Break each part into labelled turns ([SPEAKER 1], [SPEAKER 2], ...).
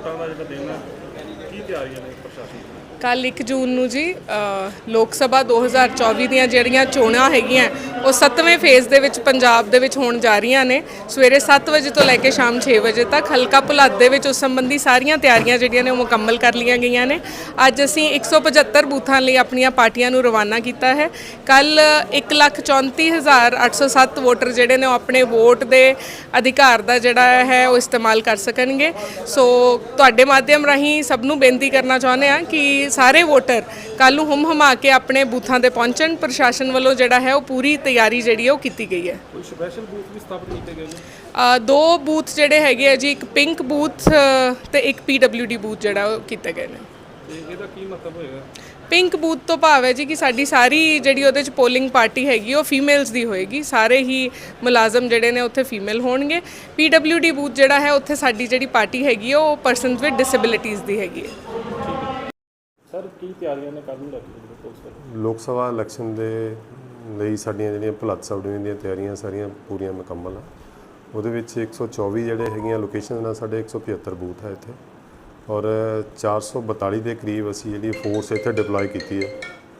[SPEAKER 1] ਵੋਟਾਂ ਦਾ ਜਿਹੜਾ ਦਿਨ ਹੈ ਕੀ ਤਿਆਰੀਆਂ ਨੇ ਪ੍ਰਸ਼ਾਸਨ ਦੀਆਂ?
[SPEAKER 2] ਕੱਲ੍ਹ 1 ਜੂਨ ਨੂੰ ਜੀ ਲੋਕ ਸਭਾ 2024 ਦੀਆਂ ਜਿਹੜੀਆਂ ਚੋਣਾਂ ਹੈਗੀਆਂ ਉਹ 7ਵੇਂ ਫੇਜ਼ ਦੇ ਵਿੱਚ ਪੰਜਾਬ ਦੇ ਵਿੱਚ ਹੋਣ ਜਾ ਰਹੀਆਂ ਨੇ। ਸਵੇਰੇ 7 ਵਜੇ ਤੋਂ ਲੈ ਕੇ ਸ਼ਾਮ 6 ਵਜੇ ਤੱਕ ਹਲਕਾ ਭੁਲੱਦ ਦੇ ਵਿੱਚ ਉਸ ਸੰਬੰਧੀ ਸਾਰੀਆਂ ਤਿਆਰੀਆਂ ਜਿਹੜੀਆਂ ਨੇ ਉਹ ਮੁਕੰਮਲ ਕਰ ਲਈਆਂ ਗਈਆਂ ਨੇ। ਅੱਜ ਅਸੀਂ 175 ਬੂਥਾਂ ਲਈ ਆਪਣੀਆਂ ਪਾਰਟੀਆਂ ਨੂੰ ਰਵਾਨਾ ਕੀਤਾ ਹੈ। ਕੱਲ੍ਹ 1,34,807 ਵੋਟਰ ਜਿਹੜੇ ਨੇ ਉਹ ਆਪਣੇ ਵੋਟ ਦੇ ਅਧਿਕਾਰ ਦਾ ਜਿਹੜਾ ਹੈ ਉਹ ਇਸਤੇਮਾਲ ਕਰ ਸਕਣਗੇ। ਸੋ ਤੁਹਾਡੇ ਮਾਧਿਅਮ ਰਾਹੀਂ ਸਭ ਨੂੰ ਬੇਨਤੀ ਕਰਨਾ ਚਾਹੁੰਦੇ ਹਾਂ ਕਿ ਸਾਰੇ ਵੋਟਰ ਕੱਲ੍ਹ ਨੂੰ ਹੁਮ-ਹੁਮਾ ਕੇ ਆਪਣੇ ਬੂਥਾਂ ਤੇ ਪਹੁੰਚਣ। ਪ੍ਰਸ਼ਾਸਨ ਵੱਲੋਂ ਜਿਹੜਾ ਹੈ ਉਹ ਪੂਰੀ ਤਿਆਰੀ ਜਿਹੜੀ ਉਹ ਕੀਤੀ ਗਈ ਹੈ।
[SPEAKER 1] ਕੋਈ ਸਪੈਸ਼ਲ ਬੂਥ ਵੀ ਸਥਾਪਿਤ ਕੀਤੇ ਗਏ ਨੇ?
[SPEAKER 2] 2 ਬੂਥ ਜਿਹੜੇ ਹੈਗੇ ਆ ਜੀ, ਇੱਕ ਪਿੰਕ ਬੂਥ ਤੇ ਇੱਕ PWD ਬੂਥ ਜਿਹੜਾ ਉਹ ਕੀਤੇ ਗਏ ਨੇ।
[SPEAKER 1] ਤੇ ਇਹਦਾ ਕੀ ਮਤਲਬ ਹੋਏਗਾ?
[SPEAKER 2] ਪਿੰਕ ਬੂਥ ਤੋਂ ਭਾਵ ਹੈ ਜੀ ਕਿ ਸਾਡੀ ਸਾਰੀ ਜਿਹੜੀ ਉਹਦੇ 'ਚ ਪੋਲਿੰਗ ਪਾਰਟੀ ਹੈਗੀ ਉਹ ਫੀਮੇਲਸ ਦੀ ਹੋਏਗੀ। ਸਾਰੇ ਹੀ ਮੁਲਾਜ਼ਮ ਜਿਹੜੇ ਨੇ ਉੱਥੇ ਫੀਮੇਲ ਹੋਣਗੇ। PWD ਬੂਥ ਜਿਹੜਾ ਹੈ ਉੱਥੇ ਸਾਡੀ ਜਿਹੜੀ ਪਾਰਟੀ ਹੈਗੀ ਉਹ ਪਰਸਨਸ ਵਿਦ ਡਿਸੇਬਿਲਿਟੀਜ਼ ਦੀ ਹੈਗੀ ਹੈ।
[SPEAKER 1] ਸਰ ਕੀ ਤਿਆਰੀਆਂ ਨੇ ਕੱਲ੍ਹ ਨੂੰ ਲੈ ਕੇ ਪੁਲਿਸ ਵੱਲੋਂ?
[SPEAKER 3] ਲੋਕ ਸਭਾ ਇਲੈਕਸ਼ਨ ਦੇ ਲਈ ਸਾਡੀਆਂ ਜਿਹੜੀਆਂ ਭੁਲੱਦ ਸਬ ਡਿਵੀਜ਼ਨ ਦੀਆਂ ਤਿਆਰੀਆਂ ਸਾਰੀਆਂ ਪੂਰੀਆਂ ਮੁਕੰਮਲ ਆ। ਉਹਦੇ ਵਿੱਚ 124 ਜਿਹੜੇ ਹੈਗੀਆਂ ਲੋਕੇਸ਼ਨ ਨਾਲ ਸਾਡੇ 175 ਬੂਥ ਹੈ ਇੱਥੇ, ਔਰ 442 ਦੇ ਕਰੀਬ ਅਸੀਂ ਜਿਹੜੀ ਫੋਰਸ ਇੱਥੇ ਡਿਪਲੋਏ ਕੀਤੀ ਹੈ।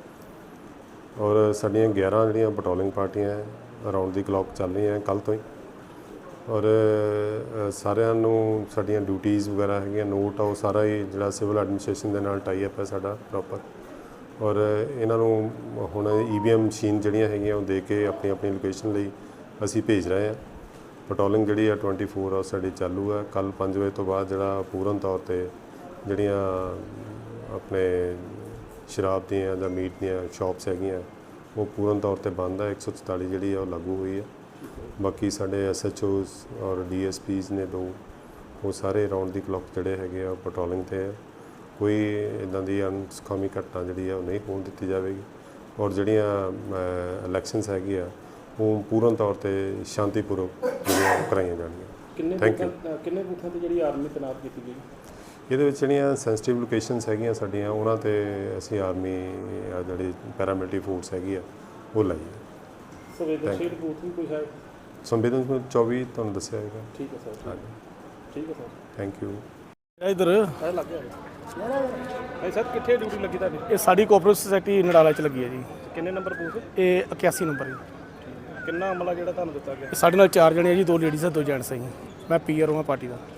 [SPEAKER 3] ਔਰ ਸਾਡੀਆਂ 11 ਜਿਹੜੀਆਂ ਪੈਟਰੋਲਿੰਗ ਪਾਰਟੀਆਂ ਅਰਾਊਂਡ ਦੀ ਕਲੌਕ ਚੱਲ ਰਹੀਆਂ ਕੱਲ੍ਹ ਤੋਂ ਹੀ। ਔਰ ਸਾਰਿਆਂ ਨੂੰ ਸਾਡੀਆਂ ਡਿਊਟੀਜ਼ ਵਗੈਰਾ ਹੈਗੀਆਂ ਨੋਟ ਆ, ਉਹ ਸਾਰਾ ਹੀ ਜਿਹੜਾ ਸਿਵਲ ਐਡਮਿਨਿਸਟ੍ਰੇਸ਼ਨ ਦੇ ਨਾਲ ਟਾਈ ਅਪ ਹੈ ਸਾਡਾ ਪ੍ਰੋਪਰ। ਔਰ ਇਹਨਾਂ ਨੂੰ ਹੁਣ EVM ਮਸ਼ੀਨ ਜਿਹੜੀਆਂ ਹੈਗੀਆਂ ਉਹ ਦੇ ਕੇ ਆਪਣੀ ਆਪਣੀ ਲੋਕੇਸ਼ਨ ਲਈ ਅਸੀਂ ਭੇਜ ਰਹੇ ਹਾਂ। ਪੈਟਰੋਲਿੰਗ ਜਿਹੜੀ ਆ 24 ਆਵਰ ਸਾਡੀ ਚਾਲੂ ਹੈ। ਕੱਲ੍ਹ 5 ਵਜੇ ਤੋਂ ਬਾਅਦ ਜਿਹੜਾ ਪੂਰਨ ਤੌਰ 'ਤੇ ਜਿਹੜੀਆਂ ਆਪਣੇ ਸ਼ਰਾਬ ਦੀਆਂ ਜਾਂ ਮੀਟ ਦੀਆਂ ਸ਼ਾਪਸ ਹੈਗੀਆਂ ਉਹ ਪੂਰਨ ਤੌਰ 'ਤੇ ਬੰਦ ਹੈ। 144 ਜਿਹੜੀ ਆ ਉਹ ਲਾਗੂ ਹੋਈ ਹੈ। ਬਾਕੀ ਸਾਡੇ SHOs ਔਰ DSPs ਨੇ 2, ਉਹ ਸਾਰੇ ਰਾਊਂਡ ਦੀ ਕਲੌਕ ਜਿਹੜੇ ਹੈਗੇ ਆ ਪੈਟਰੋਲਿੰਗ 'ਤੇ ਹੈ। ਕੋਈ ਇੱਦਾਂ ਦੀ ਅਨਸੁਖਾਵੀ ਘਟਨਾ ਜਿਹੜੀ ਆ ਉਹ ਨਹੀਂ ਹੋਣ ਦਿੱਤੀ ਜਾਵੇਗੀ। ਔਰ ਜਿਹੜੀਆਂ ਇਲੈਕਸ਼ਨਸ ਹੈਗੀ ਆ ਉਹ ਪੂਰਨ ਤੌਰ 'ਤੇ ਸ਼ਾਂਤੀਪੂਰਵਕ ਜਿਹੜੀਆਂ ਕਰਾਈਆਂ ਜਾਣਗੀਆਂ। Thank you.
[SPEAKER 1] ਕਿੰਨੇ ਬੂਥਾਂ 'ਤੇ ਜਿਹੜੀ ਆਰਮੀ ਤੈਨਾਤ ਕੀਤੀ ਗਈ?
[SPEAKER 3] ਇਹਦੇ ਵਿੱਚ ਜਿਹੜੀਆਂ ਸੈਂਸਿਟਿਵ ਲੋਕੇਸ਼ਨਸ ਹੈਗੀਆਂ ਸਾਡੀਆਂ ਉਹਨਾਂ 'ਤੇ ਅਸੀਂ ਆਰਮੀ ਜਿਹੜੀ ਪੈਰਾਮਿਲਟਰੀ ਫੋਰਸ ਹੈਗੀ ਆ ਉਹ ਲਾਈ ਹੈ।
[SPEAKER 1] ਸੰਵੇਦਨਸ਼ੀਲ ਬੂਥ ਵੀ ਕੋਈ ਹੈ?
[SPEAKER 3] ਸੰਵੇਦਨਸ਼ੀਲ 24 ਤੁਹਾਨੂੰ ਦੱਸਿਆ ਹੈਗਾ।
[SPEAKER 1] ਠੀਕ ਹੈ ਸਰ।
[SPEAKER 3] ਹਾਂਜੀ,
[SPEAKER 1] ਠੀਕ ਹੈ ਸਰ।
[SPEAKER 3] Thank you.
[SPEAKER 1] ਇਧਰ ਲੱਗ ਗਿਆ ਭਾਈ ਸਰ, ਕਿੱਥੇ ਡਿਊਟੀ ਲੱਗੀ ਤੁਹਾਡੀ?
[SPEAKER 4] ਇਹ ਸਾਡੀ ਕੋਆਪਰੇਟਿਵ ਸੁਸਾਇਟੀ ਨਡਾਲਾ 'ਚ ਲੱਗੀ ਹੈ ਜੀ।
[SPEAKER 1] ਕਿੰਨੇ ਨੰਬਰ ਬੂਥ?
[SPEAKER 4] ਇਹ 81 ਨੰਬਰ ਜੀ।
[SPEAKER 1] ਕਿੰਨਾ ਅਮਲਾ ਜਿਹੜਾ ਤੁਹਾਨੂੰ ਦਿੱਤਾ ਗਿਆ?
[SPEAKER 4] ਸਾਡੇ ਨਾਲ 4 ਜਣੇ ਆ ਜੀ, 2 ਲੇਡੀਜ਼ ਆ 2 ਜੈਂਟਸ ਆ ਜੀ। ਮੈਂ PR ਹਾਂ ਪਾਰਟੀ ਦਾ।